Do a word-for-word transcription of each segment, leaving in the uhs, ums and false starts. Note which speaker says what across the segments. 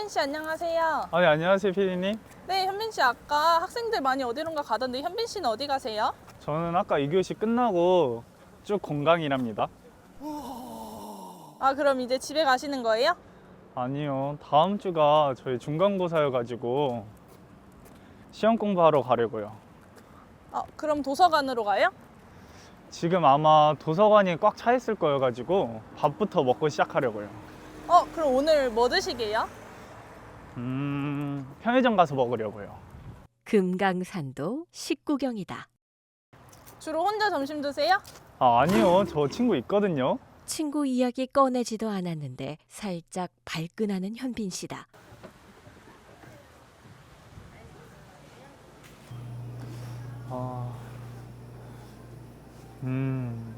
Speaker 1: 현빈 씨 안녕하세요.
Speaker 2: 아, 네, 안녕하세요, 피디님.
Speaker 1: 네, 현빈 씨 아까 학생들 많이 어디론가 가던데 현빈 씨는 어디 가세요?
Speaker 2: 저는 아까 이 교시 끝나고 쭉 공강이랍니다.
Speaker 1: 아, 그럼 이제 집에 가시는 거예요?
Speaker 2: 아니요, 다음 주가 저희 중간고사여가지고 시험 공부하러 가려고요.
Speaker 1: 어, 그럼 도서관으로 가요?
Speaker 2: 지금 아마 도서관이 꽉 차 있을 거여가지고 밥부터 먹고 시작하려고요.
Speaker 1: 어, 그럼 오늘 뭐 드시게요?
Speaker 2: 음, 편의점 가서 먹으려고요.
Speaker 3: 금강산도 식구경이다.
Speaker 1: 주로 혼자 점심 드세요?
Speaker 2: 아, 아니요, 저 친구 있거든요.
Speaker 3: 친구 이야기 꺼내지도 않았는데 살짝 발끈하는 현빈 씨다.
Speaker 2: 아, 음,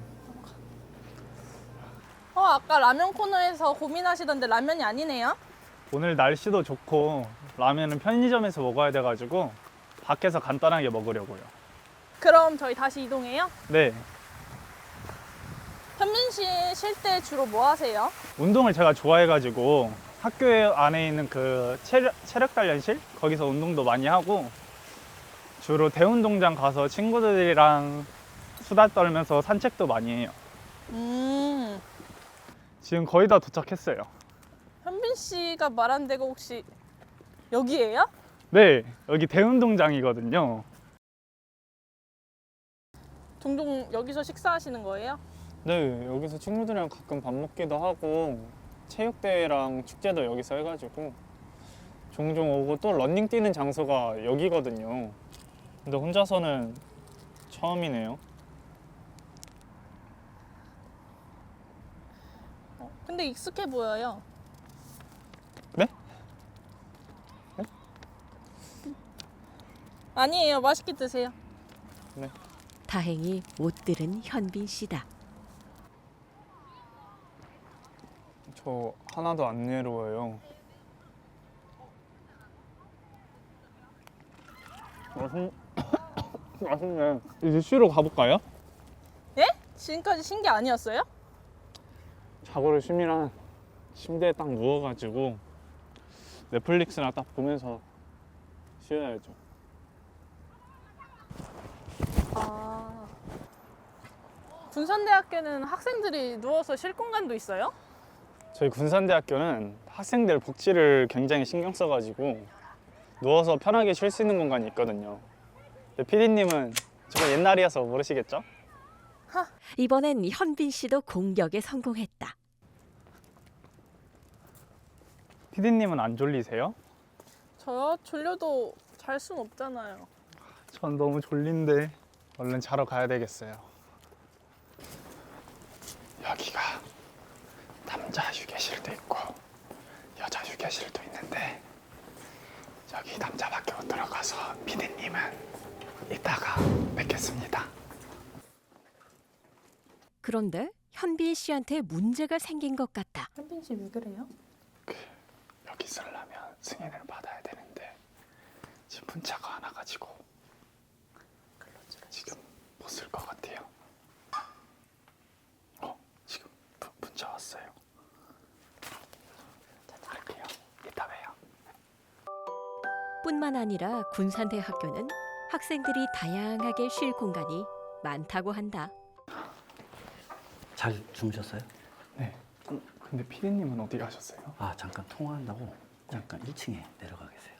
Speaker 1: 어, 아까 라면 코너에서 고민하시던데 라면이 아니네요?
Speaker 2: 오늘 날씨도 좋고 라면은 편의점에서 먹어야 돼가지고 밖에서 간단하게 먹으려고요.
Speaker 1: 그럼 저희 다시 이동해요?
Speaker 2: 네,
Speaker 1: 현빈 씨 쉴 때 주로 뭐 하세요?
Speaker 2: 운동을 제가 좋아해가지고 학교 안에 있는 그 체력, 체력 단련실? 거기서 운동도 많이 하고 주로 대운동장 가서 친구들이랑 수다 떨면서 산책도 많이 해요.
Speaker 1: 음,
Speaker 2: 지금 거의 다 도착했어요.
Speaker 1: 현빈 씨가 말한 데가 혹시 여기예요?
Speaker 2: 네, 여기 대운동장이거든요.
Speaker 1: 종종 여기서 식사하시는 거예요?
Speaker 2: 네, 여기서 친구들이랑 가끔 밥 먹기도 하고 체육대회랑 축제도 여기서 해가지고 종종 오고 또 러닝 뛰는 장소가 여기거든요. 근데 혼자서는 처음이네요.
Speaker 1: 어, 근데 익숙해 보여요.
Speaker 2: 네?
Speaker 1: 아니에요. 맛있게 드세요.
Speaker 2: 네.
Speaker 3: 다행히 못 들은 현빈 씨다.
Speaker 2: 저 하나도 안 외로워요. 맛있... 맛있네. 이제 쉬러 가볼까요?
Speaker 1: 예? 지금까지 쉰 게 아니었어요?
Speaker 2: 자고를 쉬면 침대에 딱 누워가지고 넷플릭스나 딱 보면서 쉬어야죠.
Speaker 1: 아. 군산대학교는 학생들이 누워서 쉴 공간도 있어요?
Speaker 2: 저희 군산대학교는 학생들 복지를 굉장히 신경 써가지고 누워서 편하게 쉴 수 있는 공간이 있거든요. 근데 피디님은 저거 옛날이어서 모르시겠죠?
Speaker 3: 이번엔 현빈 씨도 공격에 성공했다.
Speaker 2: 피디님은 안 졸리세요?
Speaker 1: 저요? 졸려도 잘 순 없잖아요.
Speaker 2: 전 너무 졸린데 얼른 자러 가야 되겠어요. 여기가 남자 휴게실도 있고 여자 휴게실도 있는데 여기 남자밖에 못 들어가서 피디님은 이따가 뵙겠습니다.
Speaker 3: 그런데 현빈 씨한테 문제가 생긴 것 같다.
Speaker 1: 현빈 씨 왜 그래요?
Speaker 2: 여기 쓰려면 승인을 받아야 되는데 지금 문자가 안 와가지고 지금 못 쓸 것 같아요. 어? 지금 부, 문자 왔어요. 갈게요. 이따 봬요.
Speaker 3: 뿐만 아니라 군산대학교는 학생들이 다양하게 쉴 공간이 많다고 한다.
Speaker 4: 잘 주무셨어요?
Speaker 2: 네. 근데 피디님은 어디 가셨어요?
Speaker 4: 아 잠깐 통화한다고 잠깐 일 층에 내려가 계세요.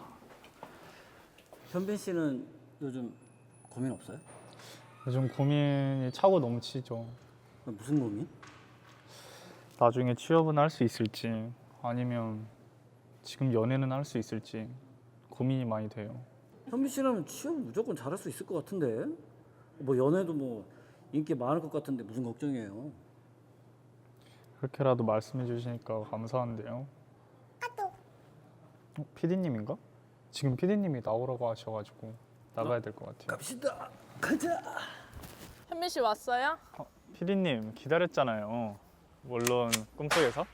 Speaker 4: 현빈 씨는 요즘 고민 없어요?
Speaker 2: 요즘 고민이 차고 넘치죠.
Speaker 4: 무슨 고민?
Speaker 2: 나중에 취업은 할 수 있을지 아니면 지금 연애는 할 수 있을지 고민이 많이 돼요.
Speaker 4: 현빈 씨라면 취업 무조건 잘할 수 있을 것 같은데 뭐 연애도 뭐 인기 많을 것 같은데 무슨 걱정이에요?
Speaker 2: 그렇게라도 말씀해 주시니까 감사한데요. 어, 피디님인가? 지금 피디님이 나오라고 하셔가지고 나가야 될 것 같아요.
Speaker 4: 갑시다. 가자.
Speaker 1: 현빈 씨 왔어요?
Speaker 2: 어, 피디님 기다렸잖아요. 물론 꿈속에서.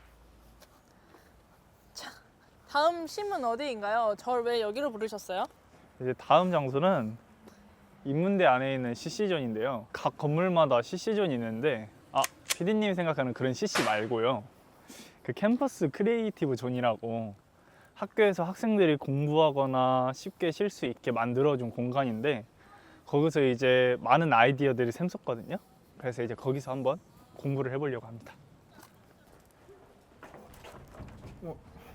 Speaker 1: 다음 심은 어디인가요? 저를 왜 여기로 부르셨어요?
Speaker 2: 이제 다음 장소는 인문대 안에 있는 씨씨존인데요. 각 건물마다 씨씨존이 있는데 아, 피디님 생각하는 그런 씨씨 말고요. 그 캠퍼스 크리에이티브 존이라고 학교에서 학생들이 공부하거나 쉽게 쉴 수 있게 만들어준 공간인데 거기서 이제 많은 아이디어들이 샘솟거든요. 그래서 이제 거기서 한번 공부를 해보려고 합니다. 어.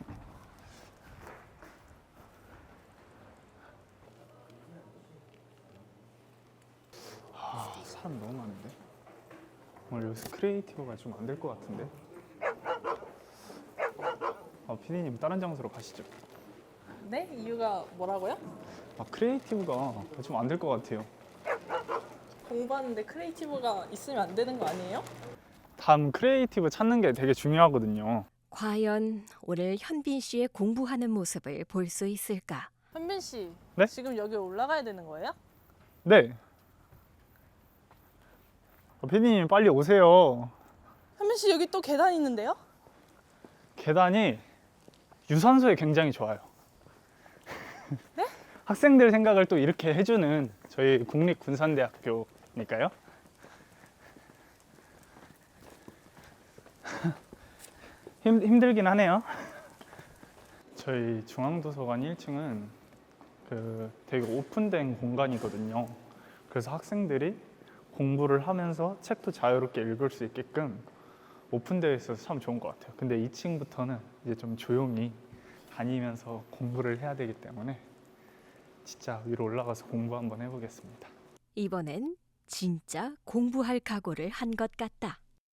Speaker 2: 아, 사람 너무 많은데? 오늘 여기서 크리에이티브가 좀 안 될 것 같은데? 아, 피디님 다른 장소로 가시죠.
Speaker 1: 네? 이유가 뭐라고요?
Speaker 2: 아, 크리에이티브가 좀 안 될 것 같아요.
Speaker 1: 공부하는데 크리에이티브가 있으면 안 되는 거 아니에요?
Speaker 2: 다음 크리에이티브 찾는 게 되게 중요하거든요.
Speaker 3: 과연 오늘 현빈 씨의 공부하는 모습을 볼 수 있을까?
Speaker 1: 현빈 씨,
Speaker 2: 네?
Speaker 1: 지금 여기 올라가야 되는 거예요?
Speaker 2: 네. 아, 피디님 빨리 오세요.
Speaker 1: 현빈 씨 여기 또 계단 있는데요?
Speaker 2: 계단이 유산소에 굉장히 좋아요.
Speaker 1: 네?
Speaker 2: 학생들 생각을 또 이렇게 해주는 저희 국립군산대학교니까요. 힘, 힘들긴 하네요. 저희 중앙도서관 일 층은 그 되게 오픈된 공간이거든요. 그래서 학생들이 공부를 하면서 책도 자유롭게 읽을 수 있게끔 오픈되어 있어서 참 좋은 것 같아요. 근데 이 층부터는 이제 좀 조용히 다니면서 공부를 해야 되기 때문에 진짜 위로 올라가서 공부 한번 해보겠습니다.
Speaker 3: 이번엔 진짜 공부할 각오를 한 것 같다.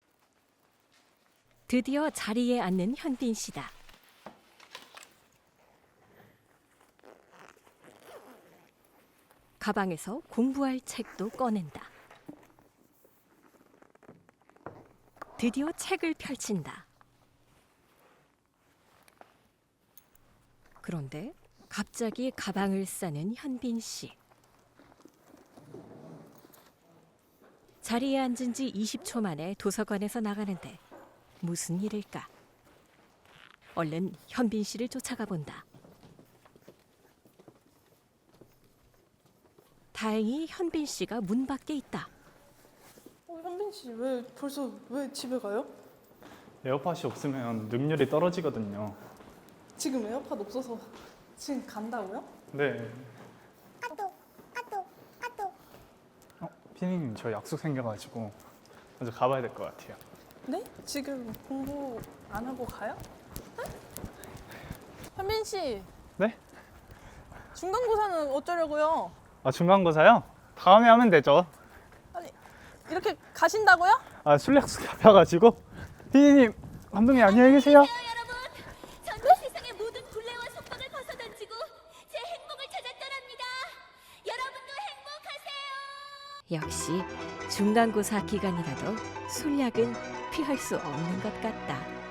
Speaker 3: 드디어 자리에 앉는 현빈 씨다. 가방에서 공부할 책도 꺼낸다. 드디어 책을 펼친다. 그런데 갑자기 가방을 싸는 현빈 씨. 자리에 앉은 지 이십 초 만에 도서관에서 나가는데 무슨 일일까? 얼른 현빈 씨를 쫓아가 본다. 다행히 현빈 씨가 문 밖에 있다.
Speaker 1: 어, 현빈 씨 왜 벌써 왜 집에 가요?
Speaker 2: 에어팟이 없으면 능률이 떨어지거든요.
Speaker 1: 지금 에어팟 없어서 지금 간다고요?
Speaker 2: 네. 어, 피디님 저 약속 생겨가지고 먼저 가봐야 될 것 같아요.
Speaker 1: 네? 지금 공부 안 하고 가요? 네? 현빈 씨
Speaker 2: 네?
Speaker 1: 중간고사는 어쩌려고요?
Speaker 2: 아, 중간고사요? 다음에 하면 되죠.
Speaker 1: 아니 이렇게 가신다고요?
Speaker 2: 아, 술 약속 잡혀가지고. 피디님, 감독님 안녕히 계세요.
Speaker 5: 여러분, 전 이 세상의 모든 굴레와 속박을 벗어던지고 제 행복을 찾아 떠납니다. 여러분도 행복하세요.
Speaker 3: 역시 중간고사 기간이라도 술약은 피할 수 없는 것 같다.